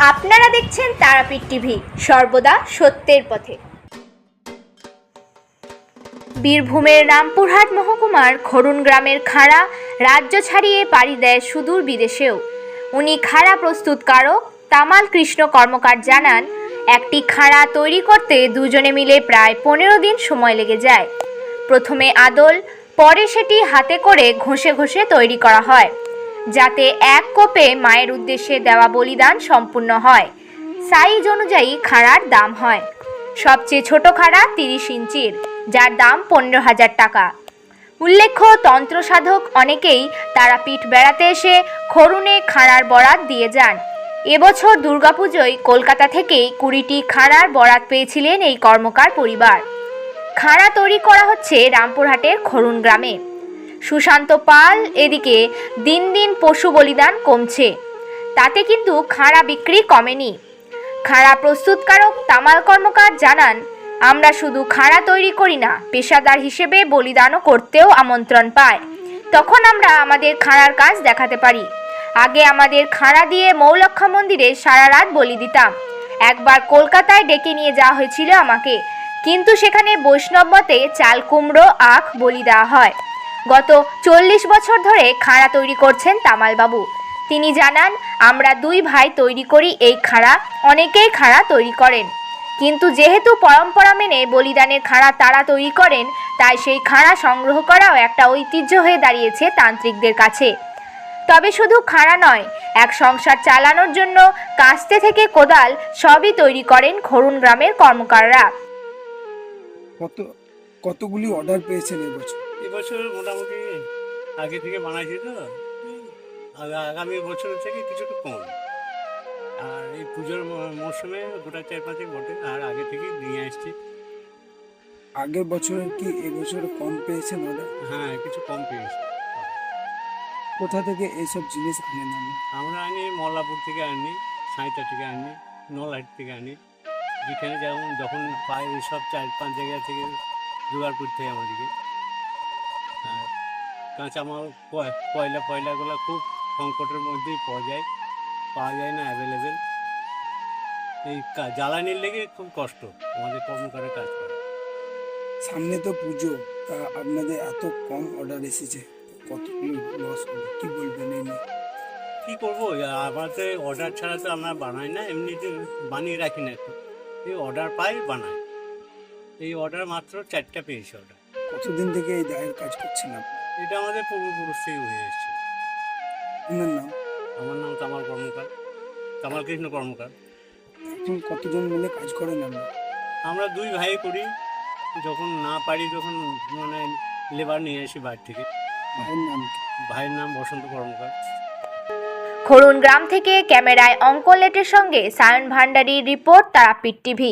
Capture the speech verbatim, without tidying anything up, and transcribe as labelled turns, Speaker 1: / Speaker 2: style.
Speaker 1: আপনারা দেখছেন তারাপীঠ টিভি, সর্বদা সত্যের পথে। বীরভূমের রামপুরহাট মহকুমার খরুন গ্রামের খাড়া রাজ্য ছাড়িয়ে পাড়ি দেয় সুদূর বিদেশেও। উনি খাড়া প্রস্তুতকারক তামাল কৃষ্ণ কর্মকার জানান, একটি খাড়া তৈরি করতে দুজনে মিলে প্রায় পনেরো দিন সময় লেগে যায়। প্রথমে আদল, পরে সেটি হাতে করে ঘষে ঘষে তৈরি করা হয়, যাতে এক কোপে মায়ের উদ্দেশ্যে দেওয়া বলিদান সম্পূর্ণ হয়। সাইজ অনুযায়ী খাড়ার দাম হয়। সবচেয়ে ছোট খাড়া তিরিশ ইঞ্চির, যার দাম পনেরো হাজার টাকা। উল্লেখ্য, তন্ত্রসাধক অনেকেই তারাপীঠ বেড়াতে এসে খরুনে খাড়ার বরাত দিয়ে যান। এবছর দুর্গাপুজোয় কলকাতা থেকেই কুড়িটি খাড়ার বরাত পেয়েছিলেন এই কর্মকার পরিবার। খাড়া তৈরি করা হচ্ছে রামপুরহাটের খরুন গ্রামে। সুশান্ত পাল এদিকে দিন দিন পশু বলিদান কমছে, তাতে কিন্তু খাড়া বিক্রি কমেনি। খাড়া প্রস্তুতকারক তামাল কর্মকার জানান, আমরা শুধু খাড়া তৈরি করি না, পেশাদার হিসেবে বলিদানও করতেও আমন্ত্রণ পায়। তখন আমরা আমাদের খাড়ার কাজ দেখাতে পারি। আগে আমাদের খাড়া দিয়ে মৌলক্ষা মন্দিরে সারা রাত বলি দিতাম। একবার কলকাতায় ডেকে নিয়ে যাওয়া হয়েছিল আমাকে, কিন্তু সেখানে বৈষ্ণব মতে চাল কুমড়ো আখ বলি দেওয়া হয়। গত চল্লিশ বছর ধরে খাড়া তৈরি করছেন তামালবাবু। তিনি জানান, আমরা দুই ভাই তৈরি করি এই খাড়া, অনেকেই খাড়া তৈরি করেন, কিন্তু যেহেতু পরম্পরা মেনে বলিদানের খাড়া তারা তৈরি করেন, তাই সেই খাড়া সংগ্রহ করাও একটা ঐতিহ্য হয়ে দাঁড়িয়েছে তান্ত্রিকদের কাছে। তবে শুধু খাড়া নয়, এক সংসার চালানোর জন্য কাস্তে থেকে কোদাল সবই তৈরি করেন খরুন গ্রামের কর্মকাররা।
Speaker 2: কত কতগুলি অর্ডার পেয়েছেন এবছর?
Speaker 3: এবছর মোটামুটি আগে থেকে বানাইছি তো, আগামী বছর থেকে কিছুটা কম। আর এই পুজোর মরশুমে গোটা চার পাঁচে বটে, আর আগে থেকে নিয়ে আসছি।
Speaker 2: আগের বছরের কি এবছর কম পেয়েছেন অর্ডার?
Speaker 3: হ্যাঁ, কিছু কম পেয়েছি।
Speaker 2: কোথা থেকে এইসব জিনিস আনেন? আমি
Speaker 3: আমরা আনি মল্লাপুর থেকে আনি, সাঁইতা থেকে আনি, নলহাট থেকে আনি। যেখানে যেমন যখন পাই এইসব চার পাঁচ জায়গা থেকে জোগাড় করতে হয় আমাদেরকে। আর কাঁচামাল কয়লা ফয়লাগুলো খুব সংকটের মধ্যেই পাওয়া যায়, পাওয়া যায় না অ্যাভেলেবেল। এই জ্বালানির লেগে খুব কষ্ট আমাদের কর্মকারের কাজ করে।
Speaker 2: সামনে তো পুজো, তা আপনাদের এত কম অর্ডার এসেছে, কতগুলি লস হবে, কি বলবেন এই নিয়ে?
Speaker 3: কী করবো, আমাদের অর্ডার ছাড়া তো আমরা বানাই না, এমনিতে বানিয়ে রাখি না। একটু এই অর্ডার পাই বানাই। এই অর্ডার মাত্র চারটা পেয়েছি অর্ডার।
Speaker 2: কতদিন থেকে এই দায়ের কাজ করছেন আপনি?
Speaker 3: এটা আমাদের পূর্বপুরুষ থেকে হয়ে এসছে।
Speaker 2: আপনার নাম?
Speaker 3: আমার নাম তামাল কর্মকার, তামাল কৃষ্ণ কর্মকার।
Speaker 2: এখন কতজন মিলে কাজ করেন আমরা?
Speaker 3: আমরা দুই ভাই করি, যখন না পারি তখন মানে লেবার নিয়ে আসি বাইরে থেকে।
Speaker 2: ভাইয়ের নাম কি?
Speaker 3: ভাইয়ের নাম বসন্ত কর্মকার।
Speaker 1: খরুন গ্রাম থেকে ক্যামেরায় অঙ্কন লেটের সঙ্গে সায়ন ভান্ডারীর রিপোর্ট, তারাপীঠ টিভি।